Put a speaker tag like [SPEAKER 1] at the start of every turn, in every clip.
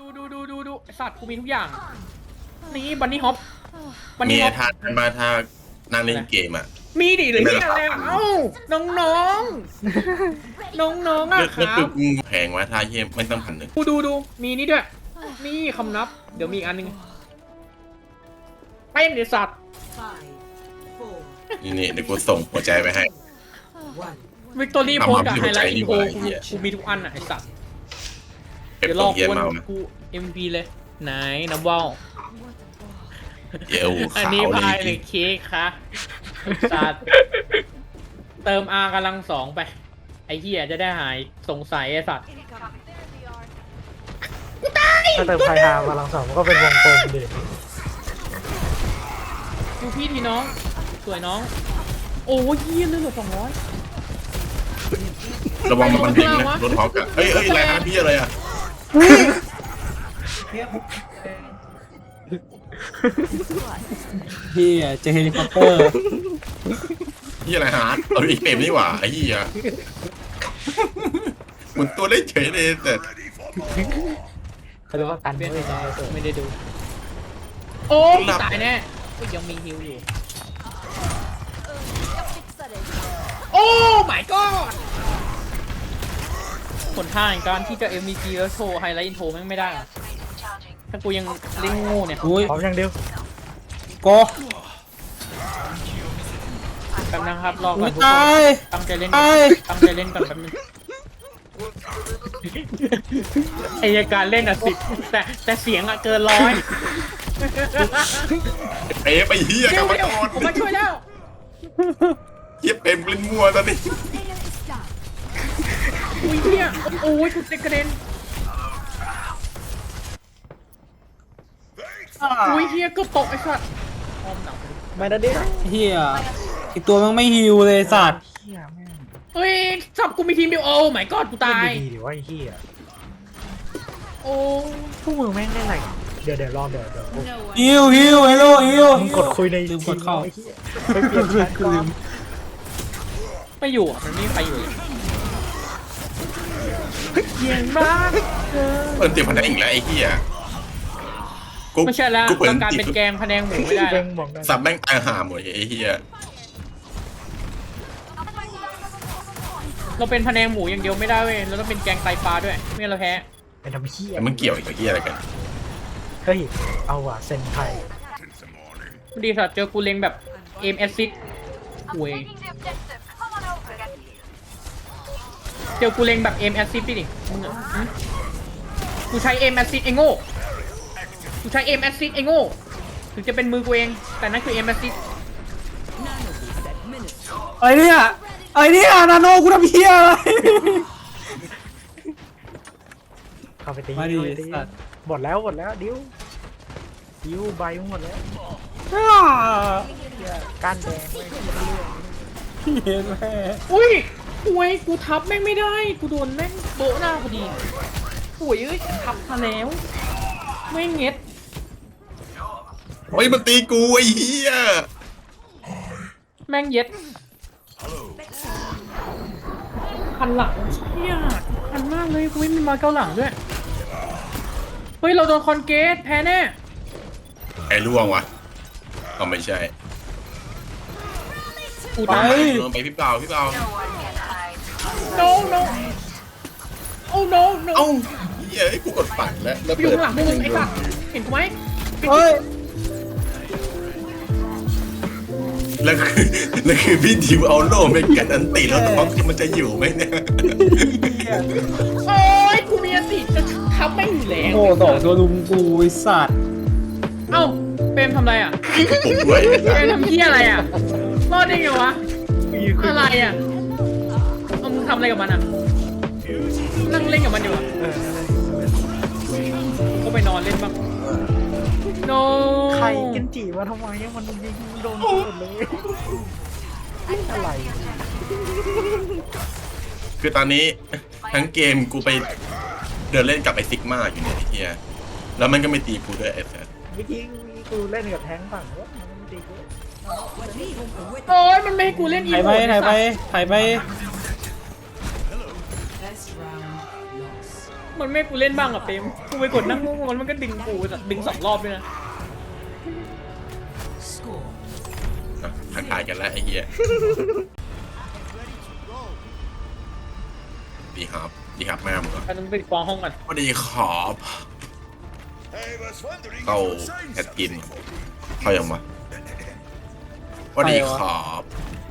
[SPEAKER 1] ดูไอสัตว์กูมีทุกอย่างนี่บันนี่ฮอปบัน
[SPEAKER 2] มี
[SPEAKER 1] นี่ฮอป
[SPEAKER 2] ทานมาถ้านั่งเล่นเกมอ่ะ
[SPEAKER 1] มีดิหรือที่อะไรเอ้าน้องอ่ะค
[SPEAKER 2] เลือ
[SPEAKER 1] รั
[SPEAKER 2] ด
[SPEAKER 1] บ
[SPEAKER 2] แพงวะถ้าเยี่ยมไม่ต้อง1,100
[SPEAKER 1] ดูมีนี่ด้วยนี่คำนับเดี๋ยวมีอีกอันนึงเป็นไอสัตว์
[SPEAKER 2] นี่เดี๋ยวกูส่งหัวใจไปให้
[SPEAKER 1] วิกตอรี่โพสกับไฮไลท์
[SPEAKER 2] นี่
[SPEAKER 1] อินโฟ
[SPEAKER 2] หว่าไอ้เหี้ย
[SPEAKER 1] กูมีทุกอันอ่ะไอสัตว์
[SPEAKER 2] เก็บ
[SPEAKER 1] เดี๋ยว
[SPEAKER 2] ต
[SPEAKER 1] ร
[SPEAKER 2] ร
[SPEAKER 1] อง
[SPEAKER 2] เยี่ยม
[SPEAKER 1] กู
[SPEAKER 2] มาก
[SPEAKER 1] กู MVP เลยไหนน้ำว่าว
[SPEAKER 2] เอว
[SPEAKER 1] อัน
[SPEAKER 2] ขาว
[SPEAKER 1] นี้
[SPEAKER 2] เล
[SPEAKER 1] พาย
[SPEAKER 2] ย
[SPEAKER 1] หรือเค้กคะสัตว์เติม R กำลัง2ไปไอ้เหี้ยจะได้หายสงสัยไอ้สัตว์
[SPEAKER 3] ถ้าเติมไฟฮาพลังสองมันก็เป็นวงกลมดิ
[SPEAKER 1] ดูพี่ทีน้องสวยน้องโอ้ยเหี้ยเลือด200
[SPEAKER 2] ระวังมันยิงนะรถฮอกอะเอ้ยอะไรนะพี่อะไรอ่ะ
[SPEAKER 4] เฮียเจอเฮลิคอปเตอร์
[SPEAKER 2] พี่อะไรฮาร์ดเอาอีกเกมนี่หว่าไอ้เหี้ยหมุนตัวได้เฉยเลยแต่
[SPEAKER 3] เขาเรียกว่ากัน
[SPEAKER 1] เปลี่ยน
[SPEAKER 3] ไม่
[SPEAKER 1] ไป
[SPEAKER 3] ได้
[SPEAKER 1] ไม่ได้ดู โอ้ยตายแน่อุ๊ยยังมีฮิวอยู่โอ้ my god ผลท่าแห่งการที่จะ MVP แล้วโชว์ไฮไลท์อินโทรแม่งไม่ได้อะถ้ากูยังเล่นโง่เนี่ย
[SPEAKER 4] อุ้ย
[SPEAKER 3] พร้อมอย่างเดียว
[SPEAKER 4] โก
[SPEAKER 1] แป๊บนะครับรอก่
[SPEAKER 4] อุ้
[SPEAKER 1] อย นทุกค
[SPEAKER 4] ตาย
[SPEAKER 1] นตั้งใจเล่นก่อน
[SPEAKER 4] ตาย
[SPEAKER 1] ตั้งใจเล่นก่อนแป๊บนึงไอ้การเล่นอ่ะ10แต่เสียงอ่ะเกิน100
[SPEAKER 2] เป๊ะไปเหี้ยกรรม
[SPEAKER 1] เดี๋ยว
[SPEAKER 2] กร
[SPEAKER 1] ผมมาช่วยแล้ว
[SPEAKER 2] เหี้ยเป็นเล่นมัวตอนนี้
[SPEAKER 1] อุ้ยเนี่ยโอ้ยกูเตะกระเด็นอุ้ยเฮียเก็ตกไอ้สัตว์อ้อมหนัง
[SPEAKER 3] ไม่ได้ดิ
[SPEAKER 4] เฮียอีกตัวมันไม่ฮิวเลยสัตว์
[SPEAKER 3] เฮียแม่ง
[SPEAKER 1] เฮ้ยจับกูมีทีมเดียวโอ้ my god กูตาย
[SPEAKER 3] ดีดิว่าไอ้เฮีย
[SPEAKER 1] โอ้
[SPEAKER 3] พวกมึงแม่งเล่นอะไรเดี๋ยวรอเดี๋ยวกู
[SPEAKER 4] ฮิวฮิวฮัลโหลฮิว
[SPEAKER 3] มึงกดคุยใน
[SPEAKER 4] ลืมกดเข้า
[SPEAKER 3] ไอ้เหี้ยไปเปลี่ยนแชทก่อน
[SPEAKER 1] ไม่อยู่อ่ะมันไม่มีใครอยู่เลยเยียงมาก
[SPEAKER 2] เปิดติดพันธุ์อีกแล้วไอ้เหี้ยกู
[SPEAKER 1] ไม่ใช่แล้ว
[SPEAKER 2] กูเปิด
[SPEAKER 1] ต้องการ
[SPEAKER 2] ติด
[SPEAKER 1] เป็นแกงพะแนงหมูไม่ได้
[SPEAKER 3] เด้
[SPEAKER 1] แล้ว
[SPEAKER 3] งบอกได้
[SPEAKER 2] สับแม่งตายห่าหมดไอ้เหี้ย
[SPEAKER 1] เราเป็นพะแนงหมูอย่างเดียวไม่ได้เว้ยเราต้องเป็นแกงไตปลาด้วยไม่งั้นเราแพ้
[SPEAKER 3] เป็นทำเฮีย
[SPEAKER 2] แต่มันเกี่ยวอีกกับเหี้ยอะไรกัน
[SPEAKER 3] เฮ้ยเอาว่ะเซนไทย
[SPEAKER 1] ดีสัตว์เจอกูเล็งแบบเอมแอซิดหวยเจอกูเล็งแบบเอมแอซิดดิมึงอะหึกูใช้เอมแอซิดไอ้โง่กูใช้เอมแอซิดไอ้โง่ถึงจะเป็นมือกูเองแต่นั่นคือเอมแอซิด
[SPEAKER 4] อะไรเนี่ยอะไรเนี่ยนาโนกูทำเฮียอะไร
[SPEAKER 3] เข้าไปตี
[SPEAKER 4] มาดิ
[SPEAKER 3] เข้าไปตี
[SPEAKER 4] สัตว์
[SPEAKER 3] หมดแล้วดิวใบหมดแล้ว
[SPEAKER 4] อ้า
[SPEAKER 3] เหี้ยก้านแดงไม่คิดเรื่อง
[SPEAKER 4] เห็นแม่
[SPEAKER 1] อุ้ยหวยกูทับแม่งไม่ได้กูโดนแม่งโบะหน้าพอดีหวยเอ้ยทับมาแล้วไม่เงี้ย
[SPEAKER 2] เฮ้ยมันตีกูไอ้เหี้ย
[SPEAKER 1] แม่งเย็ดพันหลังเชี่ยพันมากเลยกูไม่มีมาเกาหลังด้วยเฮ้ยเราโดนคอนเกตแพ้แน่
[SPEAKER 2] ไอ้ล่วงวะก็ไม่ใช่
[SPEAKER 1] กู
[SPEAKER 2] ไป
[SPEAKER 1] ตาย
[SPEAKER 2] ลงไปพี่เปล่า
[SPEAKER 1] no no oh no no
[SPEAKER 2] เอ้าเหี้ยไอ้กูกดปั่นแล้ว
[SPEAKER 1] อยู่ข้างหลังมึงไอ้สัตว์เห็นกูไหม
[SPEAKER 4] เฮ้ย
[SPEAKER 2] แล้วคือพี่ดิวเอาโล่ไปกันอันติแล้วท็อปมันจะอยู่ไหมเนี่ย
[SPEAKER 1] โอ้ยกูมีอติจะทับไม่อยู่แล้ว
[SPEAKER 4] โอ้สองตัวลุมกูไอสัตว์
[SPEAKER 1] เอ้าเปรมทำอะไรอ่ะ
[SPEAKER 2] ผมด้วย
[SPEAKER 1] เปรมทำเพี้ยอะไรอ่ะรอดได้ไงวะอะไรอ่ะเอามึงทำอะไรกับมันอ่ะนั่งเล่นกับมันอยู่อ่ะก็ไปนอนเล่นบ้าง no
[SPEAKER 3] ใครกันจีมาทำไมมันยิงโดนหมดเลยอะไร
[SPEAKER 2] คือตอนนี้ทั้งเกมกูไปเดินเล่นกับไอ้ซิกมาอยู่เนี่ยไอ้เหี้ยแล้วมันก็ไม่ตีกูด้วยไอ้สัส
[SPEAKER 3] เมื่อกี้กูเล่นกับแทงฝั่งว่ามันไม่ตีกู
[SPEAKER 1] โอ้ยมันไม่ให้กูเล่นอี
[SPEAKER 4] ถ่าย
[SPEAKER 1] โม
[SPEAKER 4] ไป
[SPEAKER 1] ด
[SPEAKER 4] ถ่ายไปถ่ายไป
[SPEAKER 1] มันไม่ให้กูเล่นบ้างอ่ะเปมกูไปกดนั่งงงมันก็ดึงกูดึง2 รอบด้วยนะ
[SPEAKER 2] ทักทายกันแล้วไอ้เหี้ยดีครับดีครับแม่มึงเหรอ
[SPEAKER 1] เราต้องไปฟ้องห้องก่อน
[SPEAKER 2] สวัสดีครับเข้าแอดกินเข้ายังวะสวัสดีครับ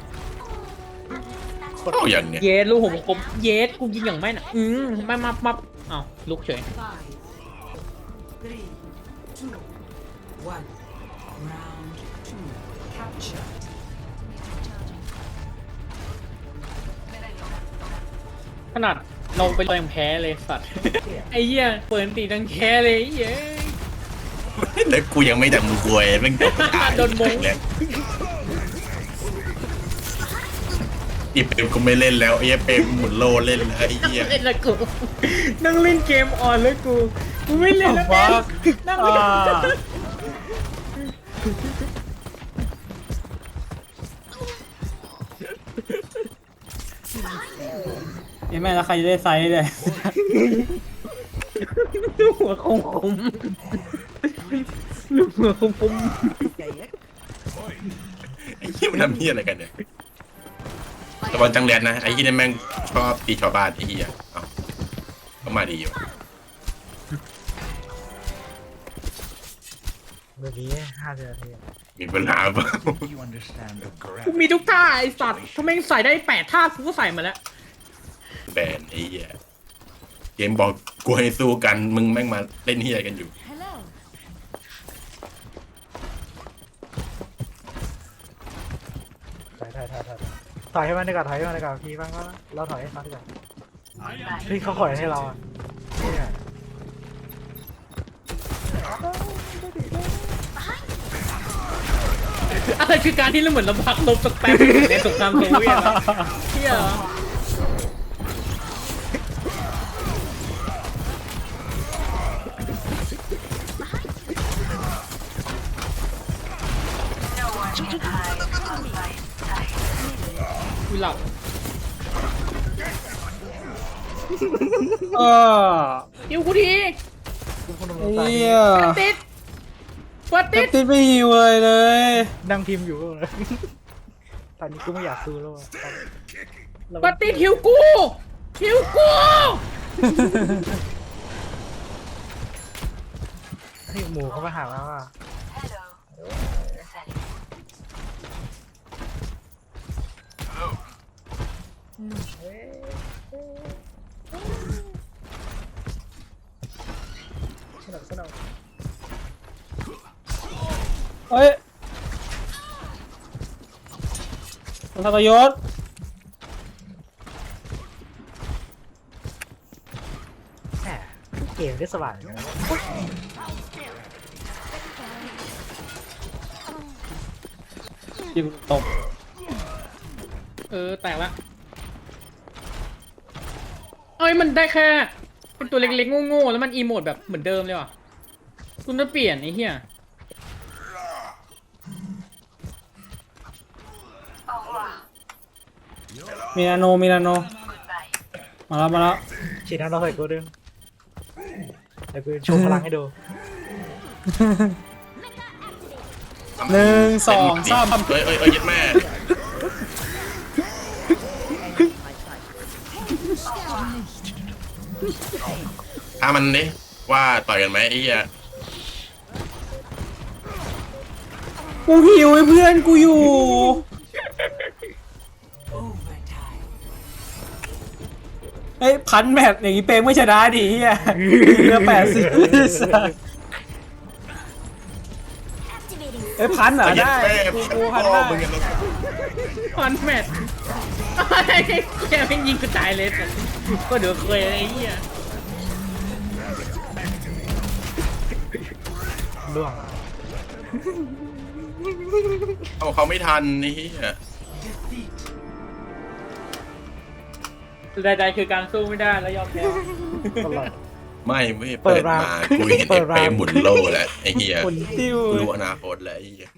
[SPEAKER 2] เข้ายังเนี่ย
[SPEAKER 1] เยสลูกผมคมเยสกูยิงอย่างไม่น่ะไม่มาอ้าวลุกเฉย
[SPEAKER 5] 5, 3, 2, 1. Round 2. Capture.
[SPEAKER 1] ขนาดเราไปต่อยยังแพ้เลยสัตว์ ไอ้เหี้ยเปิดตีดังแพ้เลยเย้
[SPEAKER 2] แล้วกูยังไม่ดังมือกวยแม่งตาย
[SPEAKER 1] โดนมง
[SPEAKER 2] แล้วอีเปมกูไม่เล่นแล้วไอ้เปมหมุนโลเล่นแล้วไอ้เหี้ย
[SPEAKER 1] เล่นละกูนั่งเล่นเกมออนแล้วกูไม่เล่นแล้วแม่นั่งเล่น
[SPEAKER 4] ยังแม่แล้วใครจะได้ไซส์เลย
[SPEAKER 1] หัวคมลูกหัวคม
[SPEAKER 2] ไอ้เหี้ยมันทำเหี้ยอะไรกันเนี่ยตะบอลจังเรียนนะไอ้เหี้ยนี่แม่งชอบตีชาวบ้านไอ้เหี้ยเอ้าก็มาดีอยู่
[SPEAKER 3] เมื่อกี้50 นาที
[SPEAKER 2] มีปัญหาเปล่า
[SPEAKER 1] กูมีทุกท่าไอ้สัตว์ถ้าแม่งใส่ได้8 ท่ากูก็ใส่มาแล้ว
[SPEAKER 2] แบนไอ้เหี้ยเกมบอกกูให้สู้กันมึงแม่งมาเล่นเหี้ยกันอยู่
[SPEAKER 3] ถอยให้มันดีกว่าถอยให้มันดีกว่าพี่บ้างว่าเราถอยให้เขาดีกว่าเฮ้ยเขาถอยให้เราอ่ะเนี่ย
[SPEAKER 1] อะไรคือการที่เราเหมือนเราพักลบสักแป๊บในสงครามโซเวียตอะเที่ยเหรอกูหลับ
[SPEAKER 4] เออ
[SPEAKER 1] หิวกูที
[SPEAKER 3] คุณผู้ชม
[SPEAKER 4] ไอ้เหี้ย
[SPEAKER 1] ติดเปิด
[SPEAKER 4] ติ
[SPEAKER 1] ติ
[SPEAKER 4] ด
[SPEAKER 1] ด
[SPEAKER 4] ไม่หิวเลย
[SPEAKER 3] นั่งพิมพ์อยู่เลยตอนนี้กูไม่อยากสู้แล้วอะ
[SPEAKER 1] เปิดติดหิวกูหิวกู
[SPEAKER 3] เฮ้ยหมูเขามาหาแล้วอ่ะ
[SPEAKER 4] เฮ้ยทรยศ
[SPEAKER 3] แหมเกมได้สว่างนะ
[SPEAKER 4] ยิงตบ
[SPEAKER 1] แตกละเอ้ยมันได้แค่เป็นตัวเล็กๆโง่ๆแล้วมันอีโมดแบบเหมือนเดิมเลยว่ะคุณจะเปลี่ยนไอ้เหี้ย
[SPEAKER 4] มีนาโนมาแล้ว
[SPEAKER 3] ฉีดน้ำเราใส่กูดึงเดี๋ยวกูโชว์พลังให้ดู
[SPEAKER 4] 1 2 3
[SPEAKER 2] เอ้ยยัดแม่ถ้ามันนี่ว่าต่อยกันไหมไอ้เหี้ย
[SPEAKER 4] กูหิวให้เพื่อนกูอยู่
[SPEAKER 5] Overtime.
[SPEAKER 4] เฮ้ยพันแมตช์อย่างนี้เปงไม่ชนะดิเฮียเรือ80เฮ้ยพันเหรอ
[SPEAKER 2] ยัด
[SPEAKER 4] ได้
[SPEAKER 2] แม่
[SPEAKER 4] กูพัน
[SPEAKER 2] พ่อ
[SPEAKER 4] ได้
[SPEAKER 2] มึงกันแล้ว
[SPEAKER 1] คอนแมทแกไม่ยิงกูตายเลยแต่ก็เดี๋ยวเคยไอ้เหี้ย
[SPEAKER 3] ล่วง
[SPEAKER 2] เอาเขาไม่ทันนี่เหี้ย
[SPEAKER 1] ใดๆคือการสู้ไม่ได้แล้วยอมแพ้
[SPEAKER 3] ตลอด
[SPEAKER 2] ไม่เปิดมากูเห็นไอ้เปรมหมุนโลแล้วไอ้เหี้ย
[SPEAKER 4] คนติ้ว
[SPEAKER 2] กูรู้อนาคตแล้วไอ้เหี้ย